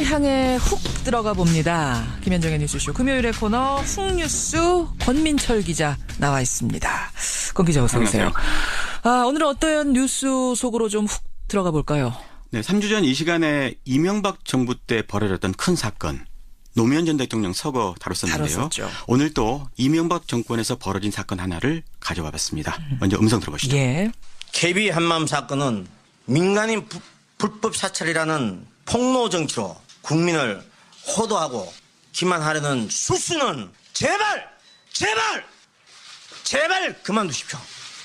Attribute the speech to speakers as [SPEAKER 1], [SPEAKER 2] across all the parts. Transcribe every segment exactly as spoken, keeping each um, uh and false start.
[SPEAKER 1] 향해 훅 들어가 봅니다. 김현정의 뉴스쇼 금요일의 코너 훅뉴스 권민철 기자 나와 있습니다. 권 기자 어서 오세요. 아, 오늘은 어떤 뉴스 속으로 좀 훅 들어가 볼까요?
[SPEAKER 2] 네, 삼 주 전 이 시간에 이명박 정부 때 벌어졌던 큰 사건. 노무현 전 대통령 서거 다뤘었는데요.
[SPEAKER 1] 다뤘었죠.
[SPEAKER 2] 오늘 또 이명박 정권에서 벌어진 사건 하나를 가져와 봤습니다. 먼저 음성 들어보시죠.
[SPEAKER 1] 예.
[SPEAKER 3] 케이비 한마음 사건은 민간인 부, 불법 사찰이라는 폭로 정치로 국민을 호도하고 기만하려는 수수는 제발 제발 제발 그만두십시오.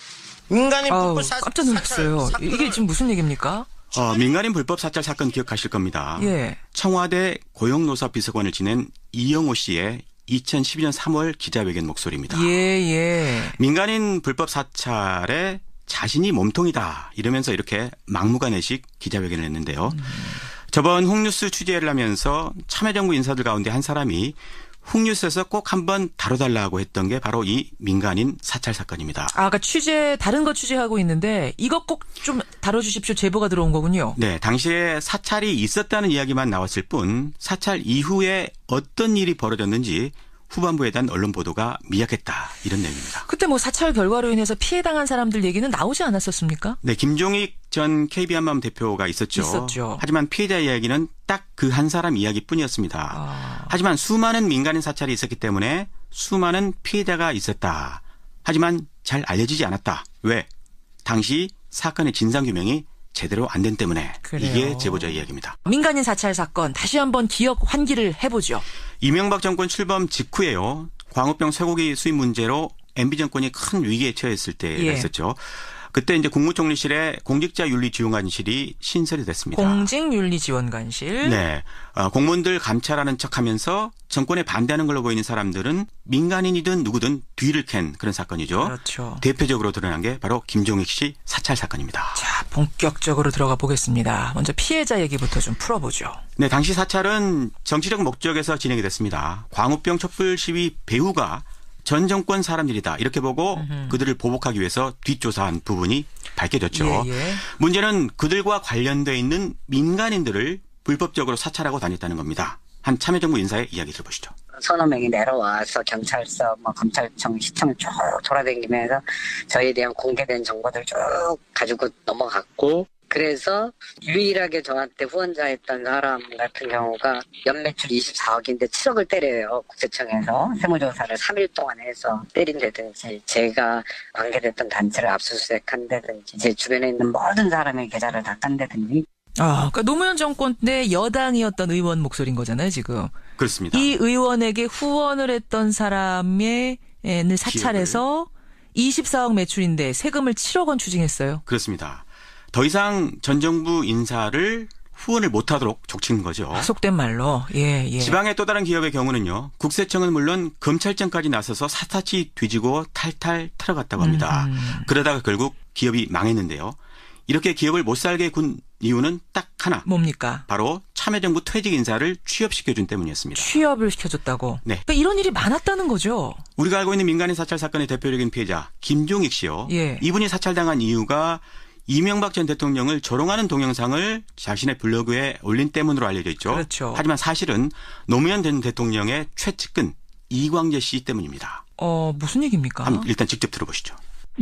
[SPEAKER 3] 민간인
[SPEAKER 1] 아우,
[SPEAKER 3] 불법 사찰
[SPEAKER 1] 깜짝 놀랐어요. 이게 지금 무슨 얘기입니까?
[SPEAKER 2] 어, 민간인 불법 사찰 사건 기억하실 겁니다.
[SPEAKER 1] 예.
[SPEAKER 2] 청와대 고용노사 비서관을 지낸 이영호 씨의 이천십이 년 삼월 기자회견 목소리입니다.
[SPEAKER 1] 예, 예.
[SPEAKER 2] 민간인 불법 사찰에 자신이 몸통이다 이러면서 이렇게 막무가내식 기자회견을 했는데요. 음. 저번 훅뉴스 취재를 하면서 참여정부 인사들 가운데 한 사람이 훅뉴스에서 꼭 한번 다뤄달라고 했던 게 바로 이 민간인 사찰 사건입니다.
[SPEAKER 1] 아, 그러니까 취재 다른 거 취재하고 있는데 이것 꼭 좀 다뤄주십시오 제보가 들어온 거군요.
[SPEAKER 2] 네, 당시에 사찰이 있었다는 이야기만 나왔을 뿐 사찰 이후에 어떤 일이 벌어졌는지 후반부에 대한 언론 보도가 미약했다 이런 내용입니다.
[SPEAKER 1] 그때 뭐 사찰 결과로 인해서 피해당한 사람들 얘기는 나오지 않았었습니까?
[SPEAKER 2] 네, 김종익 전 케이비 한마음 대표가 있었죠.
[SPEAKER 1] 있었죠.
[SPEAKER 2] 하지만 피해자 이야기는 딱 그 한 사람 이야기뿐이었습니다.
[SPEAKER 1] 아.
[SPEAKER 2] 하지만 수많은 민간인 사찰이 있었기 때문에 수많은 피해자가 있었다. 하지만 잘 알려지지 않았다. 왜? 당시 사건의 진상규명이 제대로 안 된 때문에.
[SPEAKER 1] 그래요.
[SPEAKER 2] 이게 제보자 이야기입니다.
[SPEAKER 1] 민간인 사찰 사건 다시 한번 기억 환기를 해보죠.
[SPEAKER 2] 이명박 정권 출범 직후에요. 광우병 쇠고기 수입 문제로 엠비 정권이 큰 위기에 처했을 때가
[SPEAKER 1] 예.
[SPEAKER 2] 있었죠. 그때 이제 국무총리실에 공직자윤리지원관실이 신설이 됐습니다.
[SPEAKER 1] 공직윤리지원관실.
[SPEAKER 2] 네, 어, 공무원들 감찰하는 척하면서 정권에 반대하는 걸로 보이는 사람들은 민간인이든 누구든 뒤를 캔 그런 사건이죠.
[SPEAKER 1] 그렇죠.
[SPEAKER 2] 대표적으로 드러난 게 바로 김종익 씨 사찰 사건입니다.
[SPEAKER 1] 자, 본격적으로 들어가 보겠습니다. 먼저 피해자 얘기부터 좀 풀어보죠.
[SPEAKER 2] 네, 당시 사찰은 정치적 목적에서 진행이 됐습니다. 광우병 촛불 시위 배후가 전 정권 사람들이다 이렇게 보고 음흠. 그들을 보복하기 위해서 뒷조사한 부분이 밝혀졌죠.
[SPEAKER 1] 예, 예.
[SPEAKER 2] 문제는 그들과 관련돼 있는 민간인들을 불법적으로 사찰하고 다녔다는 겁니다. 한 참여정부 인사의 이야기 들어보시죠.
[SPEAKER 4] 서너 명이 내려와서 경찰서, 뭐 검찰청, 시청 쭉 돌아다니면서 저희에 대한 공개된 정보들 쭉 가지고 넘어갔고, 그래서 유일하게 저한테 후원자였던 사람 같은 경우가 연매출 이십사억인데 칠억을 때려요. 국세청에서 세무조사를 삼 일 동안 해서 때린다든지, 제가 관계됐던 단체를 압수수색한다든지, 제 주변에 있는 모든 사람의 계좌를 다 딴다든지.
[SPEAKER 1] 아, 그러니까 노무현 정권 때 여당이었던 의원 목소리인 거잖아요, 지금.
[SPEAKER 2] 그렇습니다.
[SPEAKER 1] 이 의원에게 후원을 했던 사람의 을 사찰해서 이십사억 매출인데 세금을 칠억 원 추징했어요.
[SPEAKER 2] 그렇습니다. 더 이상 전 정부 인사를 후원을 못하도록 족친 거죠.
[SPEAKER 1] 속된 말로. 예, 예.
[SPEAKER 2] 지방의 또 다른 기업의 경우는요. 국세청은 물론 검찰청까지 나서서 사타치 뒤지고 탈탈 털어갔다고 합니다.
[SPEAKER 1] 음.
[SPEAKER 2] 그러다가 결국 기업이 망했는데요. 이렇게 기업을 못 살게 군 이유는 딱 하나.
[SPEAKER 1] 뭡니까?
[SPEAKER 2] 바로 참여정부 퇴직 인사를 취업시켜준 때문이었습니다.
[SPEAKER 1] 취업을 시켜줬다고?
[SPEAKER 2] 네.
[SPEAKER 1] 그러니까 이런 일이 많았다는 거죠.
[SPEAKER 2] 우리가 알고 있는 민간인 사찰 사건의 대표적인 피해자 김종익 씨요.
[SPEAKER 1] 예.
[SPEAKER 2] 이분이 사찰당한 이유가 이명박 전 대통령을 조롱하는 동영상을 자신의 블로그에 올린 때문으로 알려져 있죠.
[SPEAKER 1] 그렇죠.
[SPEAKER 2] 하지만 사실은 노무현 전 대통령의 최측근 이광재 씨 때문입니다.
[SPEAKER 1] 어, 무슨 얘기입니까?
[SPEAKER 2] 한번 일단 직접 들어보시죠.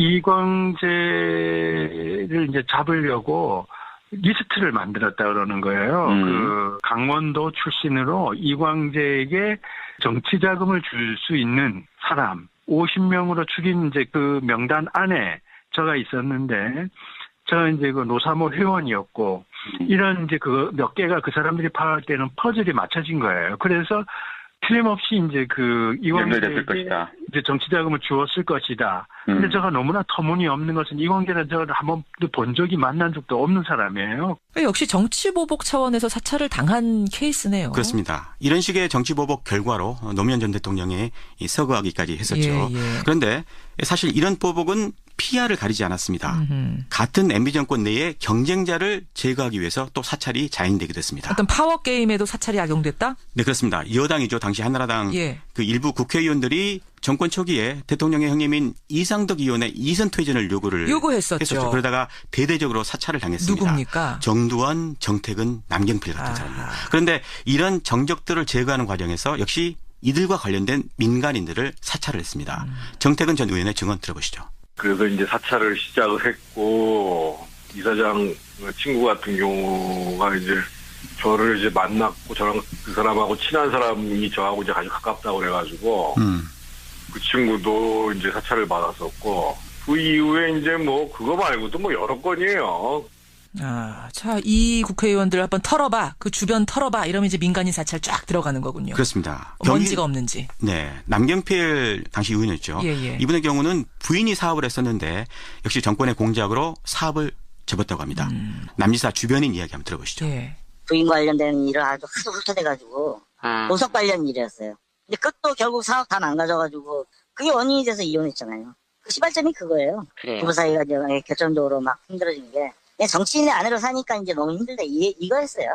[SPEAKER 5] 이광재를 이제 잡으려고 리스트를 만들었다 그러는 거예요.
[SPEAKER 2] 음.
[SPEAKER 5] 그 강원도 출신으로 이광재에게 정치 자금을 줄 수 있는 사람 오십 명으로 죽인 이제 그 명단 안에 저가 있었는데, 저 이제 그 노사모 회원이었고, 이런 이제 그 몇 개가 그 사람들이 파악할 때는 퍼즐이 맞춰진 거예요. 그래서 틀림없이 이제 그 이광재에게 이제 정치 자금을 주었을 것이다. 근데
[SPEAKER 2] 음.
[SPEAKER 5] 제가 너무나 터무니없는 것은 이광재는 제가 한 번도 본 적이 만난 적도 없는 사람이에요.
[SPEAKER 1] 역시 정치보복 차원에서 사찰을 당한 케이스네요.
[SPEAKER 2] 그렇습니다. 이런 식의 정치보복 결과로 노무현 전 대통령이 서거하기까지 했었죠.
[SPEAKER 1] 예, 예.
[SPEAKER 2] 그런데 사실 이런 보복은 피아를 가리지 않았습니다.
[SPEAKER 1] 음흠.
[SPEAKER 2] 같은 엠비 정권 내에 경쟁자를 제거하기 위해서 또 사찰이 자행되기도 했습니다.
[SPEAKER 1] 어떤 파워게임에도 사찰이 악용됐다?
[SPEAKER 2] 네, 그렇습니다. 여당이죠. 당시 한나라당
[SPEAKER 1] 예.
[SPEAKER 2] 그 일부 국회의원들이 정권 초기에 대통령의 형님인 이상덕 의원의 이선 퇴진을 요구를
[SPEAKER 1] 요구했었죠.
[SPEAKER 2] 했었죠. 그러다가 대대적으로 사찰을 당했습니다.
[SPEAKER 1] 누굽니까?
[SPEAKER 2] 정두원, 정택은, 남경필 같은
[SPEAKER 1] 아.
[SPEAKER 2] 사람들. 그런데 이런 정적들을 제거하는 과정에서 역시 이들과 관련된 민간인들을 사찰을 했습니다.
[SPEAKER 1] 음.
[SPEAKER 2] 정택은 전 의원의 증언 들어보시죠.
[SPEAKER 6] 그래서 이제 사찰을 시작을 했고, 이사장 친구 같은 경우가 이제 저를 이제 만났고, 저랑 그 사람하고 친한 사람이 저하고 이제 아주 가깝다고 그래가지고,
[SPEAKER 2] 음.
[SPEAKER 6] 그 친구도 이제 사찰을 받았었고, 그 이후에 이제 뭐, 그거 말고도 뭐 여러 건이에요.
[SPEAKER 1] 아, 자, 이 국회의원들 한번 털어봐. 그 주변 털어봐. 이러면 이제 민간인 사찰 쫙 들어가는 거군요.
[SPEAKER 2] 그렇습니다.
[SPEAKER 1] 먼지가 없는지.
[SPEAKER 2] 네. 남경필 당시 의원이었죠.
[SPEAKER 1] 예, 예.
[SPEAKER 2] 이분의 경우는 부인이 사업을 했었는데 역시 정권의 공작으로 사업을 접었다고 합니다.
[SPEAKER 1] 음.
[SPEAKER 2] 남지사 주변인 이야기 한번 들어보시죠.
[SPEAKER 1] 예.
[SPEAKER 7] 부인 관련된 일을 아주 하도 훑어대가지고
[SPEAKER 4] 아,
[SPEAKER 7] 보석 관련 일이었어요. 근데 그것도 결국 사업 다 망가져가지고 그게 원인이 돼서 이혼했잖아요. 그 시발점이 그거예요.
[SPEAKER 4] 그래요.
[SPEAKER 7] 부부 사이가 이제 결정적으로 막 힘들어진 게 그냥 정치인의 아내로 사니까 이제 너무 힘들다 이, 이거였어요.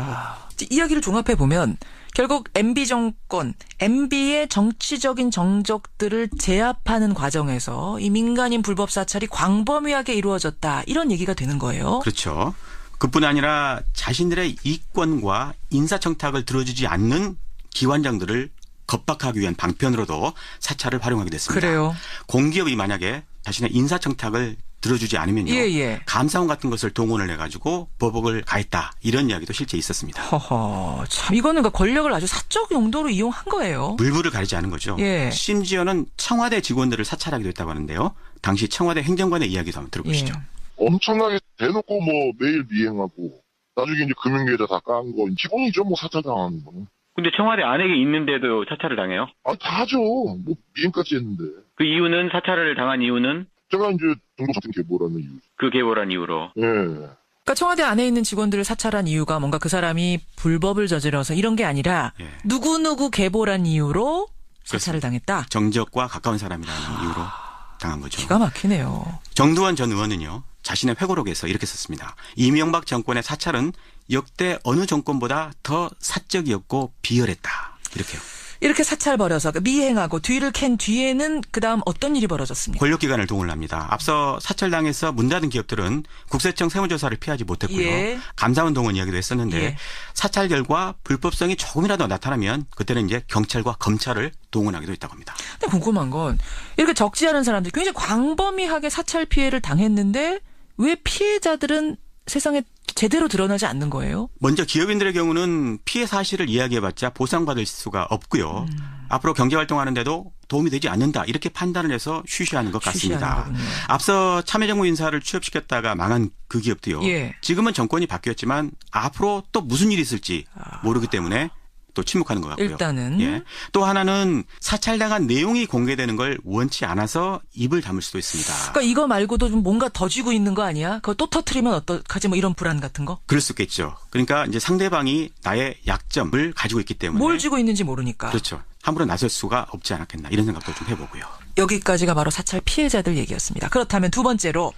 [SPEAKER 1] 아, 이야기를 종합해 보면 결국 엠비 정권, 엠비의 정치적인 정적들을 제압하는 과정에서 이 민간인 불법 사찰이 광범위하게 이루어졌다. 이런 얘기가 되는 거예요.
[SPEAKER 2] 그렇죠. 그뿐 아니라 자신들의 이권과 인사청탁을 들어주지 않는 기관장들을 겁박하기 위한 방편으로도 사찰을 활용하게 됐습니다.
[SPEAKER 1] 그래요.
[SPEAKER 2] 공기업이 만약에 자신의 인사청탁을 들어주지 않으면요.
[SPEAKER 1] 예, 예.
[SPEAKER 2] 감사원 같은 것을 동원을 해가지고 보복을 가했다. 이런 이야기도 실제 있었습니다.
[SPEAKER 1] 허허, 참 이거는 그 권력을 아주 사적 용도로 이용한 거예요.
[SPEAKER 2] 물불을 가리지 않은 거죠.
[SPEAKER 1] 예.
[SPEAKER 2] 심지어는 청와대 직원들을 사찰하기도 했다고 하는데요. 당시 청와대 행정관의 이야기도 한번 들어보시죠.
[SPEAKER 1] 예.
[SPEAKER 8] 엄청나게 대놓고 뭐 매일 미행하고 나중에 이제 금융계좌 다 깐 거 기본이죠. 뭐 사찰 당하는 거는.
[SPEAKER 9] 근데 청와대 안에 있는데도 사찰을 당해요?
[SPEAKER 8] 아, 다 하죠. 뭐 미행까지 했는데.
[SPEAKER 9] 그 이유는 사찰을 당한 이유는
[SPEAKER 8] 제가 이제 정보정책 계보라는 이유.
[SPEAKER 9] 그 계보란 이유로.
[SPEAKER 8] 예.
[SPEAKER 1] 그러니까 청와대 안에 있는 직원들을 사찰한 이유가 뭔가 그 사람이 불법을 저질러서 이런 게 아니라
[SPEAKER 2] 예.
[SPEAKER 1] 누구누구 계보란 이유로 사찰을 당했다.
[SPEAKER 2] 정적과 가까운 사람이라는 이유로 당한 거죠.
[SPEAKER 1] 기가 막히네요.
[SPEAKER 2] 정두원 전 의원은요. 자신의 회고록에서 이렇게 썼습니다. 이명박 정권의 사찰은 역대 어느 정권보다 더 사적이었고 비열했다. 이렇게요.
[SPEAKER 1] 이렇게 사찰 벌여서 미행하고 뒤를 캔 뒤에는 그다음 어떤 일이 벌어졌습니까?
[SPEAKER 2] 권력기관을 동원합니다. 앞서 사찰당에서 문 닫은 기업들은 국세청 세무조사를 피하지 못했고요.
[SPEAKER 1] 예.
[SPEAKER 2] 감사원 동원 이야기도 했었는데
[SPEAKER 1] 예.
[SPEAKER 2] 사찰 결과 불법성이 조금이라도 나타나면 그때는 이제 경찰과 검찰을 동원하기도 했다고 합니다.
[SPEAKER 1] 근데 궁금한 건 이렇게 적지 않은 사람들이 굉장히 광범위하게 사찰 피해를 당했는데 왜 피해자들은 세상에 제대로 드러나지 않는 거예요?
[SPEAKER 2] 먼저 기업인들의 경우는 피해 사실을 이야기해봤자 보상받을 수가 없고요. 음. 앞으로 경제활동하는데도 도움이 되지 않는다. 이렇게 판단을 해서 쉬쉬하는 것 같습니다.
[SPEAKER 1] 쉬쉬하는
[SPEAKER 2] 앞서 참여정부 인사를 취업시켰다가 망한 그 기업도요.
[SPEAKER 1] 예.
[SPEAKER 2] 지금은 정권이 바뀌었지만 앞으로 또 무슨 일이 있을지 모르기 때문에 또 침묵하는 것 같고요.
[SPEAKER 1] 일단은.
[SPEAKER 2] 예. 또 하나는 사찰당한 내용이 공개되는 걸 원치 않아서 입을 다물 수도 있습니다.
[SPEAKER 1] 그러니까 이거 말고도 좀 뭔가 더 쥐고 있는 거 아니야? 그거 또 터트리면 어떡하지? 뭐 이런 불안 같은 거?
[SPEAKER 2] 그럴 수 있겠죠. 그러니까 이제 상대방이 나의 약점을 가지고 있기 때문에
[SPEAKER 1] 뭘 쥐고 있는지 모르니까.
[SPEAKER 2] 그렇죠. 함부로 나설 수가 없지 않았겠나 이런 생각도 좀 해보고요.
[SPEAKER 1] 여기까지가 바로 사찰 피해자들 얘기였습니다. 그렇다면 두 번째로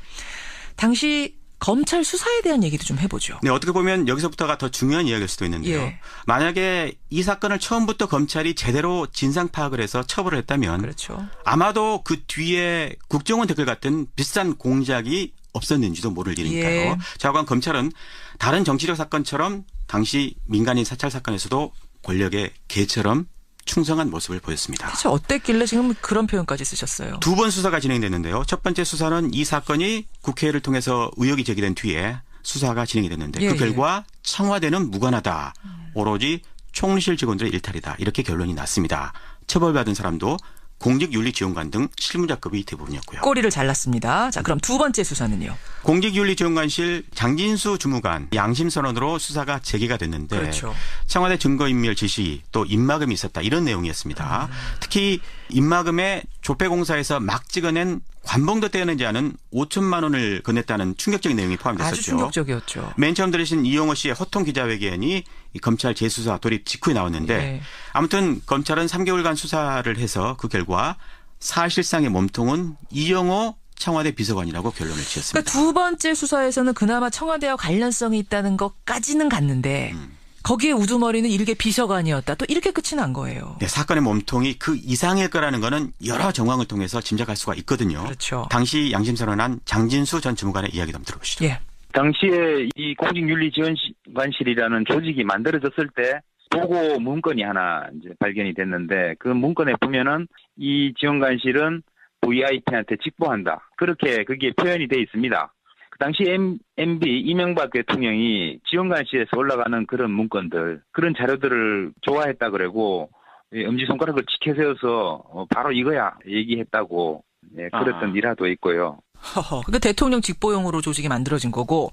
[SPEAKER 1] 당시 검찰 수사에 대한 얘기도 좀 해보죠.
[SPEAKER 2] 네, 어떻게 보면 여기서부터가 더 중요한 이야기일 수도 있는데요.
[SPEAKER 1] 예.
[SPEAKER 2] 만약에 이 사건을 처음부터 검찰이 제대로 진상 파악을 해서 처벌을 했다면
[SPEAKER 1] 그렇죠.
[SPEAKER 2] 아마도 그 뒤에 국정원 댓글 같은 비싼 공작이 없었는지도 모를 일이니까요.
[SPEAKER 1] 예.
[SPEAKER 2] 자관 검찰은 다른 정치적 사건처럼 당시 민간인 사찰 사건에서도 권력의 개처럼 충성한 모습을 보였습니다.
[SPEAKER 1] 대체 어땠길래 지금 그런 표현까지 쓰셨어요?
[SPEAKER 2] 두 번 수사가 진행됐는데요. 첫 번째 수사는 이 사건이 국회를 통해서 의혹이 제기된 뒤에 수사가 진행이 됐는데
[SPEAKER 1] 예,
[SPEAKER 2] 그 결과 청와대는 무관하다. 오로지 총리실 직원들의 일탈이다. 이렇게 결론이 났습니다. 처벌받은 사람도 공직윤리지원관 등 실무자급이 대부분이었고요.
[SPEAKER 1] 꼬리를 잘랐습니다. 자, 그럼 두 번째 수사는요?
[SPEAKER 2] 공직윤리지원관실 장진수 주무관 양심선언으로 수사가 재개가 됐는데
[SPEAKER 1] 그렇죠.
[SPEAKER 2] 청와대 증거인멸 지시 또 입마금이 있었다 이런 내용이었습니다. 음. 특히 입마금에 조폐공사에서 막 찍어낸 관봉도 떼어내지 않은 오천만 원을 건넸다는 충격적인 내용이 포함됐었죠.
[SPEAKER 1] 아주 충격적이었죠.
[SPEAKER 2] 맨 처음 들으신 이용호 씨의 호통 기자회견이 검찰 재수사 돌입 직후에 나왔는데
[SPEAKER 1] 네.
[SPEAKER 2] 아무튼 검찰은 삼 개월간 수사를 해서 그 결과 사실상의 몸통은 이용호 청와대 비서관이라고 결론을 지었습니다.
[SPEAKER 1] 그러니까 두 번째 수사에서는 그나마 청와대와 관련성이 있다는 것까지는 갔는데 음. 거기에 우두머리는 일개 비서관이었다. 또 이렇게 끝이 난 거예요.
[SPEAKER 2] 네, 사건의 몸통이 그 이상일 거라는 거는 여러 정황을 통해서 짐작할 수가 있거든요.
[SPEAKER 1] 그렇죠.
[SPEAKER 2] 당시 양심선언한 장진수 전 주무관의 이야기도 한번 들어보시죠.
[SPEAKER 1] 예.
[SPEAKER 10] 당시에 이 공직윤리지원관실이라는 조직이 만들어졌을 때 보고 문건이 하나 이제 발견이 됐는데 그 문건에 보면은 이 지원관실은 브이아이피한테 직보한다. 그렇게 그게 표현이 돼 있습니다. 그 당시 엠비 이명박 대통령이 지원관실에서 올라가는 그런 문건들, 그런 자료들을 좋아했다 그러고 엄지손가락을 치켜세워서 바로 이거야 얘기했다고 예, 그랬던
[SPEAKER 9] 아.
[SPEAKER 10] 일화도 있고요.
[SPEAKER 1] 허허. 그러니까 대통령 직보용으로 조직이 만들어진 거고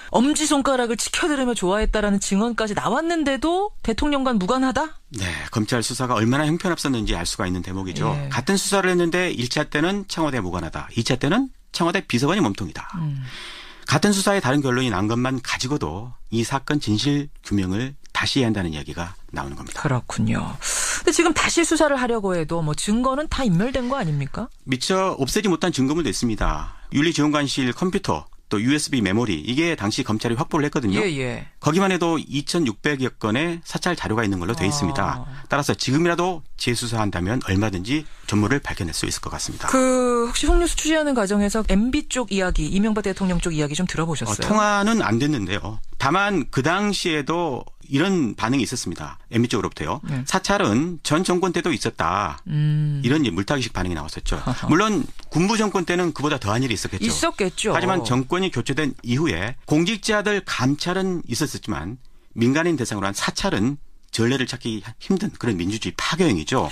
[SPEAKER 1] 엄지손가락을 치켜들으며 좋아했다라는 증언까지 나왔는데도 대통령과 무관하다?
[SPEAKER 2] 네, 검찰 수사가 얼마나 형편없었는지 알 수가 있는 대목이죠.
[SPEAKER 1] 예.
[SPEAKER 2] 같은 수사를 했는데 일 차 때는 청와대 무관하다. 이 차 때는 청와대 비서관이 몸통이다.
[SPEAKER 1] 음.
[SPEAKER 2] 같은 수사에 다른 결론이 난 것만 가지고도 이 사건 진실 규명을 다시 해야 한다는 이야기가 나오는 겁니다.
[SPEAKER 1] 그렇군요. 근데 지금 다시 수사를 하려고 해도 뭐 증거는 다 인멸된 거 아닙니까?
[SPEAKER 2] 미처 없애지 못한 증거물도 있습니다. 윤리지원관실 컴퓨터 또 유에스비 메모리 이게 당시 검찰이 확보를 했거든요.
[SPEAKER 1] 예, 예.
[SPEAKER 2] 거기만 해도 이천육백여 건의 사찰 자료가 있는 걸로 돼 있습니다.
[SPEAKER 1] 아.
[SPEAKER 2] 따라서 지금이라도 재수사한다면 얼마든지 전모를 밝혀낼 수 있을 것 같습니다.
[SPEAKER 1] 그 혹시 홍뉴스 취재하는 과정에서 엠비 쪽 이야기, 이명박 대통령 쪽 이야기 좀 들어보셨어요?
[SPEAKER 2] 어, 통화는 안 됐는데요. 다만 그 당시에도 이런 반응이 있었습니다. 엠비 쪽으로부터요.
[SPEAKER 1] 네.
[SPEAKER 2] 사찰은 전 정권 때도 있었다.
[SPEAKER 1] 음.
[SPEAKER 2] 이런 이제 물타기식 반응이 나왔었죠. 물론 군부 정권 때는 그보다 더한 일이 있었겠죠.
[SPEAKER 1] 있었겠죠.
[SPEAKER 2] 하지만 정권이 교체된 이후에 공직자들 감찰은 있었지만 민간인 대상으로 한 사찰은 전례를 찾기 힘든 그런 민주주의 파괴행위죠.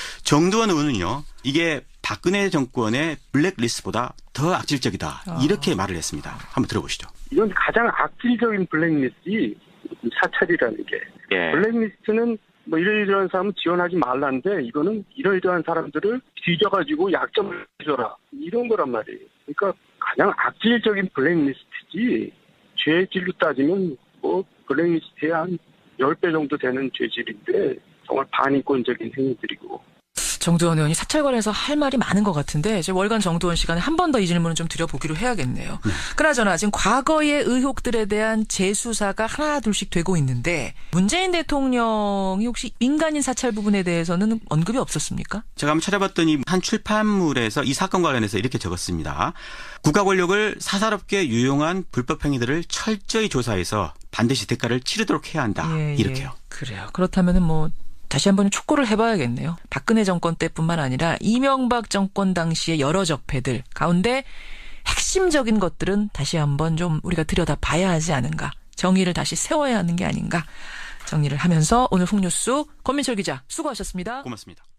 [SPEAKER 2] 정두원 의원은요. 이게 박근혜 정권의 블랙리스트보다 더 악질적이다.
[SPEAKER 1] 아.
[SPEAKER 2] 이렇게 말을 했습니다. 한번 들어보시죠.
[SPEAKER 5] 이건 가장 악질적인 블랙리스트이 사찰이라는 게.
[SPEAKER 9] 예.
[SPEAKER 5] 블랙리스트는 뭐 이러이러한 사람은 지원하지 말라는데 이거는 이러이러한 사람들을 뒤져가지고 약점을 줘라. 이런 거란 말이에요. 그러니까 가장 악질적인 블랙리스트지 죄질로 따지면 뭐 블랙리스트에 한 십 배 정도 되는 죄질인데 정말 반인권적인 행위들이고.
[SPEAKER 1] 정두원 의원이 사찰 관련해서 할 말이 많은 것 같은데 이제 월간 정두원 시간에 한 번 더 이 질문을 좀 드려보기로 해야겠네요.
[SPEAKER 2] 네.
[SPEAKER 1] 그나저나 지금 과거의 의혹들에 대한 재수사가 하나 둘씩 되고 있는데 문재인 대통령이 혹시 민간인 사찰 부분에 대해서는 언급이 없었습니까?
[SPEAKER 2] 제가 한번 찾아봤더니 한 출판물에서 이 사건 관련해서 이렇게 적었습니다. 국가 권력을 사사롭게 유용한 불법 행위들을 철저히 조사해서 반드시 대가를 치르도록 해야 한다.
[SPEAKER 1] 예,
[SPEAKER 2] 이렇게요.
[SPEAKER 1] 예. 그래요. 그렇다면은 뭐 다시 한번 촉구를 해봐야겠네요. 박근혜 정권 때뿐만 아니라 이명박 정권 당시의 여러 적폐들 가운데 핵심적인 것들은 다시 한번 좀 우리가 들여다봐야 하지 않은가. 정의를 다시 세워야 하는 게 아닌가. 정리를 하면서 오늘 홍뉴스 권민철 기자 수고하셨습니다.
[SPEAKER 2] 고맙습니다.